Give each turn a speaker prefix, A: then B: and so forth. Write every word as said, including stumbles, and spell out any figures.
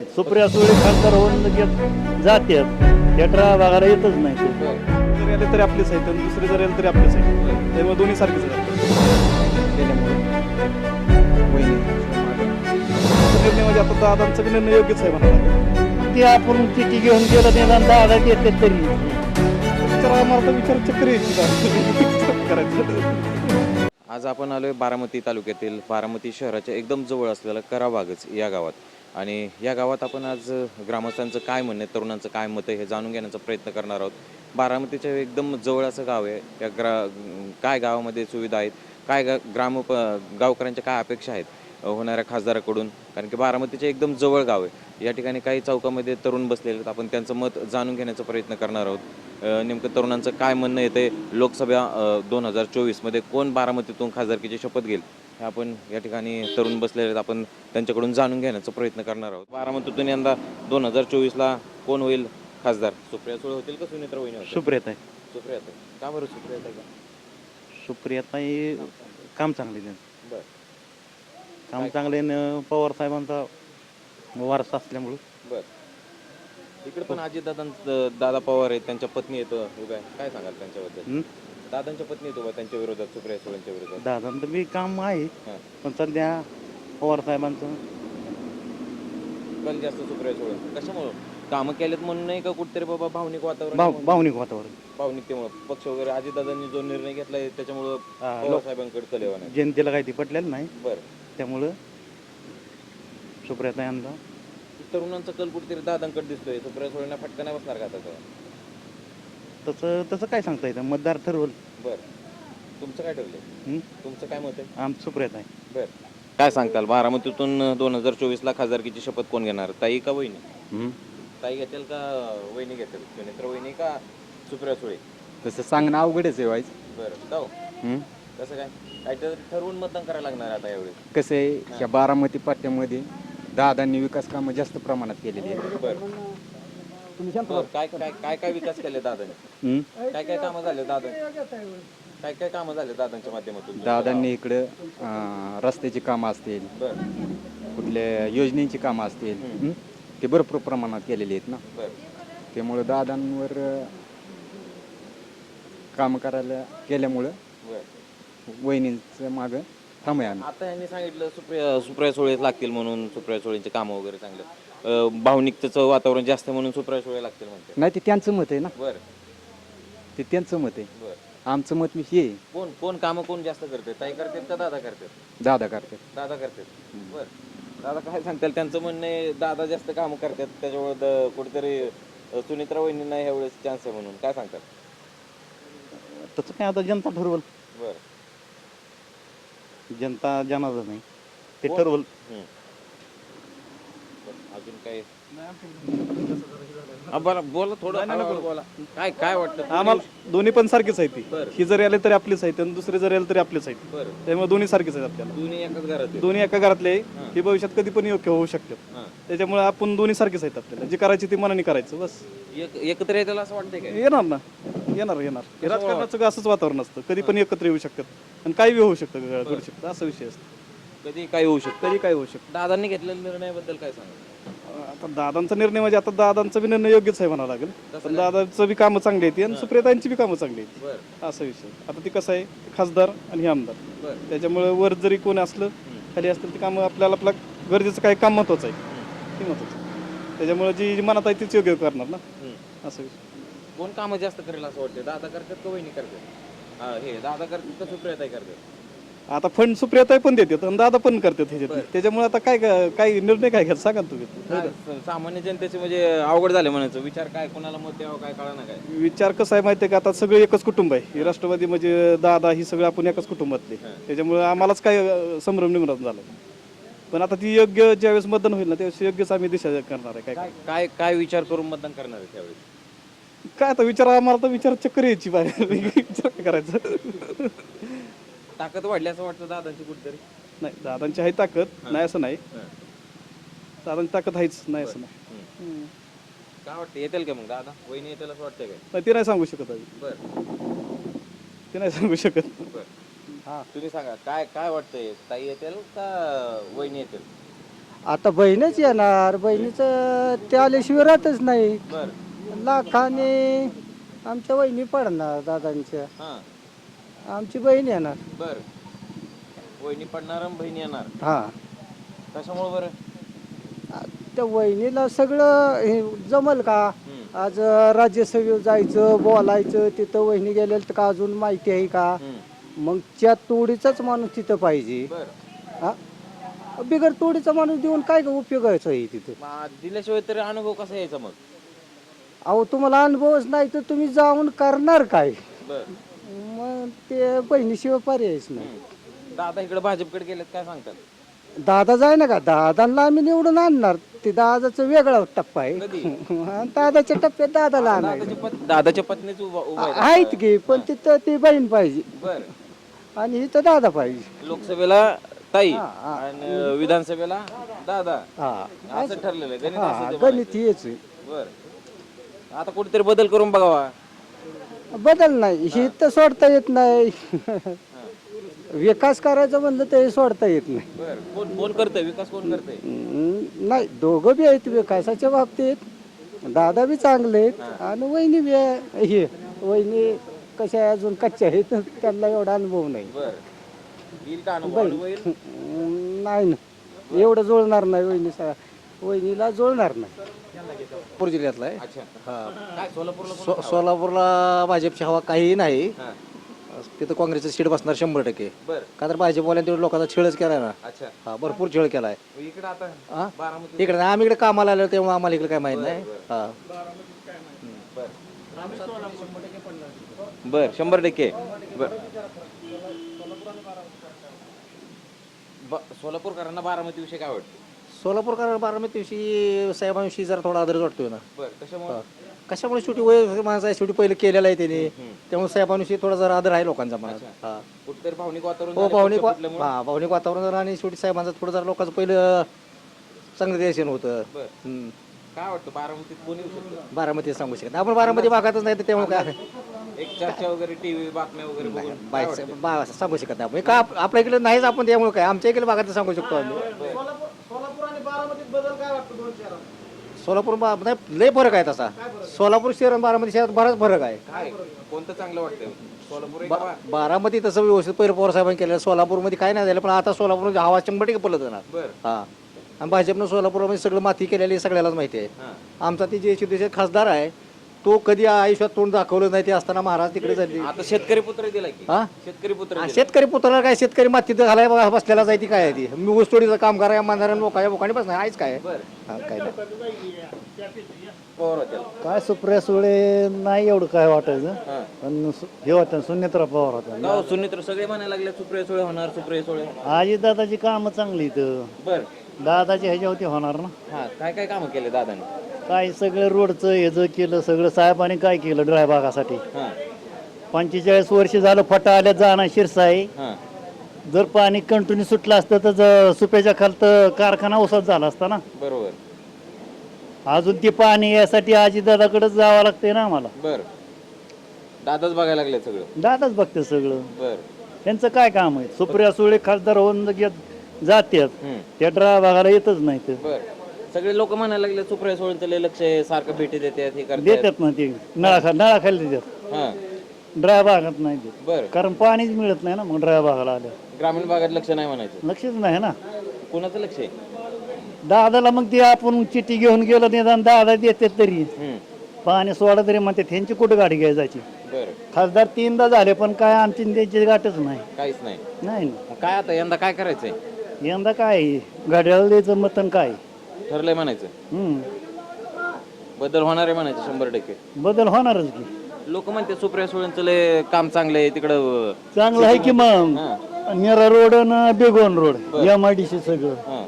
A: सुप्रिया सुळे खासदार होऊन लगेच जातात थिएटर बघायला येतच नाही ते.
B: जरी आले तरी आपलेच आहेत आणि दुसरे जरी आले तरी आपलेच आहेत, त्यामुळे दोन्ही सारखेच आहेत. निर्णय म्हणजे आता दादांचा बी निर्णय योग्यच आहे म्हणाला.
A: ते आपण चिठी घेऊन गेलं निदान दादा येते तरी
B: विचार आम्हाला तर विचार चक्कर यायची करायचं.
C: आज आपण आलोय बारामती तालुक्यातील बारामती शहराच्या एकदम जवळ असलेलं कराबागच या गावात. आणि या गावात आपण आज ग्रामस्थांचं काय म्हणणं आहे, तरुणांचं काय मत आहे हे जाणून घेण्याचा प्रयत्न करणार आहोत. बारामतीच्या एकदम जवळ असं गाव आहे. या ग्रा काय गावामध्ये सुविधा आहेत, काय गा ग्राम गावकऱ्यांच्या काय अपेक्षा आहेत होणाऱ्या खासदाराकडून, कारण की बारामतीचे एकदम जवळ गाव आहे. या ठिकाणी काही चौकामध्ये तरुण बसलेले आहेत. आपण त्यांचं मत जाणून घेण्याचा प्रयत्न करणार आहोत. नेमकं तरुणांचं काय म्हणणं येते, लोकसभा दोन हजार चोवीसमध्ये कोण बारामतीतून खासदारकीची शपथ घेईल हे आपण या ठिकाणी तरुण बसलेले आहेत. आपण त्यांच्याकडून जाणून घेण्याचा प्रयत्न करणार आहोत. बारामतीतून यंदा दोन हजार चोवीसला कोण होईल खासदार? सुप्रिया सुळे होतील का सुनेत्रा वहिनी होतील?
A: सुप्रियाताई
C: सुप्रियाताई. का बरं सुप्रियाताई का?
A: सुप्रियाताई काम चांगले त्यांचं
C: बरं
A: काम चांगले न पवार साहेबांचा वारसा असल्यामुळं
C: बरं इकडे पण अजितदादांचं दादा पवार आहेत, त्यांच्या पत्नी येतो उभ्या, काय सांगाल त्यांच्याबद्दल?
A: हं?
C: दादांच्या पत्नी येतो बा त्यांच्या विरोधात, सुप्रिया सुळेंच्या विरोधात.
A: दादांचं बी काम आहे
C: हां
A: पण सध्या पवार साहेबांचं
C: कल जास्त सुप्रिया सुळे. कशामुळं? कामं केलेत म्हणून नाही का, कुठेतरी बाबा भावनिक वातावरण
A: भाव
C: आहे?
A: भावनिक वातावरण
C: भावनिकतेमुळं पक्ष वगैरे अजितदादांनी जो निर्णय घेतलाय त्याच्यामुळं
A: हा,
C: पवार
A: लोक-
C: साहेबांकडे कलेवा नाही.
A: जनतेला काही ते पटलेलं नाही
C: बरं
A: त्यामुळं सुप्रियाताई यांना
C: तरुणांचा कल कुठेतरी दादांकडे दिसतोय. सुप्रिया सुळेंना फटका नाही बसणार का आता?
A: तसं तसं काय सांगता येतं मतदार ठरवल.
C: बरं तुमचं काय ठरलंय?
A: हं?
C: तुमचं काय मत आहे?
A: आम सुप्रियाताई
C: बरं काय सांगताल, बारामतीतून दोन हजार चोवीसला खासदारकीची शपथ कोण घेणार, ताई का वहिनी? ताई घेतील का वहिनी घेतील, सुनेत्रा वहिनी का सुप्रिया सुळे?
D: तसं सांगणं अवघडच आहे व्हायचं.
C: बरं जाऊ कसं काय काहीतरी ठरवून मतदान करायला लागणार आता यावेळी.
D: कसं आहे, ह्या बारामती पट्ट्यामध्ये दादांनी विकास कामं जास्त प्रमाणात केलेली आहेत.
C: बरं बरं, काय काय काय काय विकास केले दादाने?
A: हं?
C: काय काय कामं झाले दादा काय काय कामं झाले दादांच्या माध्यमातून?
D: दादांनी इकडं अं, रस्त्याची कामं असतील,
C: बरं
D: कुठल्या योजनेची कामं असतील, हं? ते भरपूर प्रमाणात केलेली आहेत ना.
C: बरं
D: त्यामुळं दादांवर अं, काम करायला केल्यामुळं
C: बरं
D: वहिनींचं मागं थांबूया आम्ही.
C: आता यांनी सांगितलं सुप्रिया सुप्रिया सुळे लागतील म्हणून, सुप्रिया सुळेंचे कामं वगैरे चांगलं, अं, भावनिकतेचं वातावरण जास्त म्हणून सुप्रिया सुळे लागतील म्हणते.
D: नाही, ते त्यांचं मत आहे ना,
C: बरं
D: ते त्यांचं मत आहे.
C: बरं
D: आमचं मत मी हे आहे,
C: कोण कोण कामं कोण जास्त करते, ताई करतात का दादा करतात?
D: दादा करतात.
C: दादा करतात. बरं दादा काय सांगताल, त्यांचं म्हणणं आहे दादा जास्त कामं करतात त्याच्यामुळे द- कुठेतरी अं, सुनेत्रा वहिनींना ह्यावेळेस चान्स आहे म्हणून, काय सांगतात?
A: तसं काय आता जनता ठरवल.
C: बरं
A: जनता जनाचं नाही ते
C: कोण?
A: ठरवल.
C: हं. बरं, अजून काय? हा, बरं बोला थोडं हळूहळू बोला. काय काय वाटतं?
B: आम्हाला दोन्ही पण सारखेच आहेत ती.
C: बरं.
B: ही जरी आले तरी आपलेच आहेत आणि दुसरे जरी आले तरी आपलेच आहेत,
C: बरं
B: त्यामुळे दोन्ही सारखेच आहेत आपल्याला.
C: दोन्ही एकाच घरात आहेत.
B: दोन्ही एका घरातले आहे.
C: हां.
B: हे भविष्यात कधी पण योग्य होऊ शकतात,
C: हां.
B: त्याच्यामुळे आपण दोन्ही सारखेच आहेत. आपल्याला जे करायचे ते मनाने करायचं बस.
C: एक एकत्र येतील असं वाटतंय काय?
B: येणार ना, येणार येणार हे राजकारणाचं असंच वातावरण असतं, कधी पण एकत्र येऊ शकतात आणि काही बी होऊ शकतं, घडू शकतं, असा विषय असतो.
C: कधी काय होऊ शकतं.
B: कधी काय होऊ शकतं.
C: दादांनी घेतलेल्या निर्णयाबद्दल काय सांगा?
B: आता दादांचा निर्णय म्हणजे आता दादांचा बी निर्णय योग्यच आहे म्हणावं लागेल. पण दादांचं बी कामं चांगली आहेत आणि सुप्रियाताईंची बी कामं चांगली आहेत,
C: बरं
B: असा विषय. आता ती कसं आहे, खासदार आणि हे आमदार,
C: बरं
B: त्याच्यामुळे वर जरी कोण असलं खाली असतील ती कामं आपल्याला आपलं गरजेचं काय काम महत्वाचं आहे ते महत्वाचं आहे. त्याच्यामुळे जी जी मनात आहे तीच योग्य करणार ना,
C: हं.
B: असं विषय.
C: कोण कामं जास्त करेल असं वाटतं? दादा करतात का वहिनी करतात? हा, हे दादा करतात का सुप्रियाताई करतात?
B: आता फंड सुप्रियाताई पण देतात आणि दादा पण करतात ह्याच्यात, त्याच्यामुळे आता काय काय निर्णय काय घ्यायचा सांगा ना तुम्ही.
C: काय स- सामान्य जनतेचे म्हणजे अवघड झाले म्हणायचं, विचार काय कोणाला मत द्यावं काय कळा ना काय.
B: विचार कसा आहे माहिती आहे का, आता सगळे एकच कुटुंब आहे. ही राष्ट्रवादी म्हणजे दादा ही सगळं आपण एकाच कुटुंबातले, त्याच्यामुळे आम्हालाच काय अं, संभ्रम निमरण झाला. पण आता ती योग्य ज्यावेळेस मतदान होईल ना त्यावेळेस योग्यच आम्ही दिशा करणार आहे. काय
C: काय काय काय विचार करून मतदान करणार आहे त्यावेळी?
B: काय आता विचार, आम्हाला तर विचार चक्कर यायची बाहेर विचार काय करायचं.
C: ताकद वाढली असं वाटतं दादांची कुठेतरी?
B: नाही, दादांची आहे ताकद, नाही असं नाही.
C: हं.
B: दादांची ताकद आहेच, नाही असं नाही.
C: हं.
B: हं.
C: काय वाटतं, येतील का मग दादा वहिनी येतील असं वाटतंय काय?
B: नाही, ते नाही सांगू शकत आम्ही,
C: बरं
B: ते नाही सांगू शकत.
C: बरं हा तुम्ही सांगा काय काय वाटतंय, ताई येतील का वहिनी येतील?
E: आता बहीणच येणार, बहिणीचं ते आल्याशिवाय राहतच नाही.
C: बर
E: लाखाने आमच्या वहिनी पडणार दादांच्या,
C: हा
E: आमची बहीण येणार.
C: बर वहिनी पडणार आणि बहीण येणार.
E: हा
C: कशामुळे बरं?
E: त्या वहिनीला सगळं हे जमल का?
C: हम्म.
E: आज राज्यसभेवर जायचं, बोलायचं, तिथं वहिनी गेलेलं तर का अजून माहिती आहे का?
C: हम्म.
E: मग त्या तोडीचाच माणूस तिथं पाहिजे.
C: बर
E: हा बिगर तोडीचा माणूस देऊन काय उपयोगाचं आहे तिथं?
C: मग दिल्याशिवाय तरी अनुभव कसा यायचा मग?
E: अहो तुम्हाला अनुभवच नाही तर तुम्ही जाऊन करणार काय?
C: बर
E: मग ते बहिणीशिवाय पर्यायच नाही.
C: दादा इकडे भाजपकडे गेलेत, काय सांगतात?
E: दादा जाय ना का, दादांना आम्ही निवडून आणणार. ते दादाचा वेगळा टप्पा आहे.
C: कधी?
E: आणि दादाच्या टप्प्यात दादाला आणायचं.
C: दादाच्या पत्- दादाच्या पत्नीच उभा उभा आहेत.
E: आहेत की, पण तिथं ती बहीण पाहिजे
C: बर
E: आणि इथं दादा पाहिजे.
C: लोकसभेला ताई
E: हा, हा.
C: आणि विधानसभेला दादा,
E: हा
C: असं ठरलेलं आहे. गणित
E: हा
C: असं ते
E: गणित हेच आहे.
C: बर आता कुठेतरी बदल करून बघावा.
E: बदल नाही, हे तर सोडता येत नाही. विकास करायचा म्हणलं तर हे सोडता येत नाही.
C: बर कोण कोण करतंय विकास, कोण करतंय?
E: हम्म, नाही दोघं बी आहेत विकासाच्या बाबतीत. दादा बी चांगले आहेत आणि वहिनी बी आहे. हे वहिनी कशा आहे, अजून कच्च्या आहेत, त्यांना एवढा अनुभव नाही.
C: बर येईल का अनुभव? अनुभव येईल?
E: हम्म, नाही ना, एवढं जुळणार नाही वहिनी, वहिनीला जुळणार नाही.
F: सोलापूर जिल्ह्यातला आहे.
C: अच्छा काय सोलापूरला कोण
F: सो
C: हवं?
F: सोलापूरला भाजपची हवा काहीही नाही.
C: हा.
F: तिथं काँग्रेसचं सीट बसणार शंभर टक्के.
C: बर
F: का तर भाजपवाल्याने तेवढं लोकांचा छेडच केलाय ना.
C: अच्छा
F: हा भरपूर छेड केलाय.
C: इकडे आता
F: हा
C: बारामती
F: इकडे नाही, आम्ही इकडे कामाला आलो तेव्हा आम्हाला इकडे काय माहित नाही. हा
C: बर शंभर टक्के. बर ब- सोलापूरकरांना बारामती विषय काय वाटतं?
F: सोलापूरकर बारामती दिवशी साहेबांविषयी जरा थोडा आदर वाटतोय ना.
C: बर कशामुळे?
F: कशामुळे शेवटी वय माझा आहे, शेवटी पहिलं केलेलं आहे त्यांनी, त्यामुळे साहेबांविषयी थोडा जरा आदर आहे लोकांचा मनात. हा
C: कुठेतरी भावनिक वातावरण
F: हो
C: झालं
F: भावनिक
C: पक्ष
F: वा-
C: फुटल्यामुळे?
F: हा भावनिक वातावरण जरा आणि शेवटी साहेबांचं थोडं जरा लोकांचं पहिलं चांगलं देशन होतं.
C: बर
F: हम्म.
C: काय वाटतं बारामतीत कोणी येऊ शकतं?
F: बारामती सांगू शकत नाही. आपण बारामती भागातच नाही तर त्यामुळे काय
C: एक चर्चा वगैरे टीव्ही बातम्या वगैरे बघून काय
F: बाईक
C: वाटतं?
F: बा सांगू शकत नाही आपण. का आप- आपल्या इकडे नाहीच आपण, त्यामुळे काय आमच्या इकडे भागात सांगू शकतो आम्ही. सोलापूर बा- नाही लय फरक आहे तसा. सोलापूर शहर आणि बारामती शहरात बराच फरक आहे.
C: काय कोणतं चांगलं वाटतं? सोलापूर आहे का
F: बा-
C: बा-
F: बारामती तसं व्यवस्थित पहिलं पवार साहेबांनी केलं. सोलापूरमध्ये काय नाही झालं, पण आता सोलापूरमध्ये हवा शंभर टक्के पलत जाणार.
C: बर
F: हा आणि भाजपनं सोलापूरमध्ये सगळं माती केलेली सगळ्यालाच माहिती आहे.
C: हा
F: आमचा ती जे शिवसेना खासदार आहे तो कधी आयुष्यात तोंड दाखवलं नाही. ते असताना महाराज तिकडे झाले.
C: आता शेतकरी पुत्र दिलाय की
F: हा
C: शेतकरी पुत्र
F: हा,
C: दिलाय.
F: शेतकरी पुत्राला काय, शेतकरी मातीत घालाय बघा बसलेला जाय ती काय आहे ती. मी ऊसतोडीचं काम करायला मानणाऱ्या लोकांच्या बोकाने बसणार आहेच काय.
C: बर
F: हा काय नाही.
C: पवार होत्याला.
A: काय सुप्रिया सुळे नाही एवढं काय वाटायचं,
C: हा
A: पण सु- हे होतं सुनेत्रा पवार होता.
C: गाव सुनित्र सगळे म्हणायला लागले सुप्रिया सुळे होणार, सुप्रिया सुळे.
A: आजी दादाची कामं चांगली इथं,
C: बर
A: दादाची ह्याच्यावरती होणार ना.
C: हा काय काय कामं केले दादाने?
A: काय सगळं रोडचं ह्याचं केलं, सगळं साहेबांनी काय केलं ड्राय भागासाठी.
C: हा
A: पंचेचाळीस वर्ष झालं फटा आल्या जाणार शिरसाई.
C: हा
A: जर पाणी कंटिन्यू सुटलं असतं तर ज- सुप्याच्या खालतं कारखाना ओसात झाला असता ना.
C: बरोबर.
A: अजून ते पाणी यासाठी आजी दादाकडेच जावं लागतंय ना आम्हाला.
C: बर दादाच बघायला लागले सगळं.
A: दादाच बघते सगळं.
C: बर
A: त्यांचं काय काम आहे? सुप्रिया सुळे खासदार होऊन घेत जातात,
C: हम्म.
A: त्या ड्राय भागाला येतच नाही ते.
C: बर सगळे लोक म्हणायला लागले सुप्रिया सुळेंचं लय लक्ष आहे, सारखं भेटी देतात हे करतात.
A: देतात ना ते नळाखा नळाखाली देतात,
C: हा
A: ड्राय भागात नाही देत.
C: बर
A: कारण पाणीच मिळत नाही ना मग ड्राय भागाला आल्या.
C: ग्रामीण भागात लक्ष नाही म्हणायचं.
A: लक्षच नाही ना
C: कोणाचं लक्ष आहे?
A: दादाला. मग ते आपण चिठ्ठी घेऊन गेलो निदान दादा देतात तरी
C: हम्म.
A: पाणी सोडा तरी म्हणते त्यांची कुठं गाडी घ्यायची जायची.
C: बर
A: खासदार तीनदा झाले पण काय आमची न त्यांची गाठच नाही.
C: काहीच नाही.
A: नाही
C: मग काय आता यंदा काय करायचंय?
A: यंदा काय घड्याळ द्यायचं मतन काय.
C: ठरलंय म्हणायचं.
A: हम्म
C: बदल होणार आहे म्हणायचं शंभर टक्के.
A: बदल होणारच की.
C: लोक म्हणते सुप्रिया सुळेंचं लय काम चांगलं आहे तिकडं.
A: चांगलं आहे की मग.
C: हा
A: नेरा रोड आणि बेगोन road M I D C सगळं
C: हा